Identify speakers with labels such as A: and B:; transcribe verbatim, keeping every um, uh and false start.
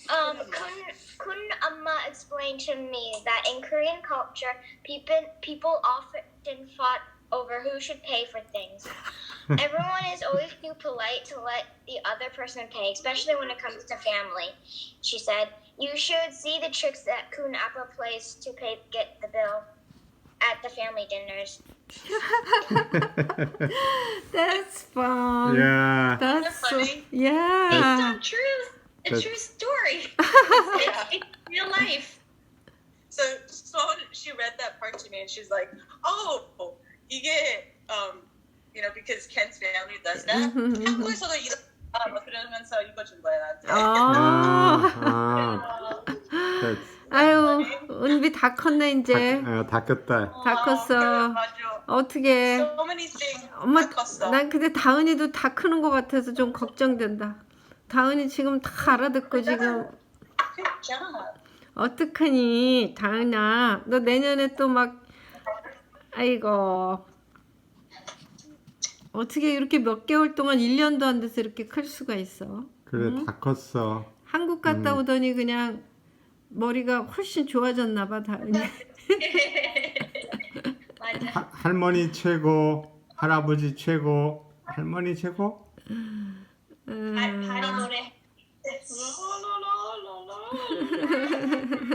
A: Um, Kun, Kun Amma explained to me that in Korean culture, people people often fought over who should pay for things. Everyone is always too polite to let the other person pay, especially when it comes to family. She said, "You should see the tricks that Kun Appa plays to pay get the bill at the family dinners."
B: That's fun.
C: Yeah.
B: That's so,
D: funny?
B: yeah.
D: Based on truth. A
C: That's-
D: true story. It's, it's real life. So, so she read that part to me and she's like, oh, 이게, um, you know, because Ken's family does that. 한국에서도 이런 아, 뭐 그러면서 이거 준 거야, 나한테.
B: 어.
C: 아, that's,
B: 아유, 은비 다 컸네 이제.
C: 아, 다 컸다.
B: 다 컸어.
D: 맞아.
B: 어떻게?
D: So many things.
B: 엄마,
D: 다 컸어.
B: 난 근데 다은이도 다 크는 것 같아서 좀 걱정된다. 다은이 지금 다 알아듣고 지금
D: 진짜.
B: 어떡하니? 다은아, 너 내년에 또 막 아이고 어떻게 이렇게 몇 개월 동안 일 년도 안 돼서 이렇게 클 수가 있어?
C: 그래,
B: 응?
C: 다 컸어.
B: 한국 갔다
C: 음.
B: 오더니 그냥 머리가 훨씬 좋아졌나 봐, 다은이.
D: 맞아.
C: 하, 할머니 최고, 할아버지 최고, 할머니 최고?
B: 음.
D: 발, 발이 노래.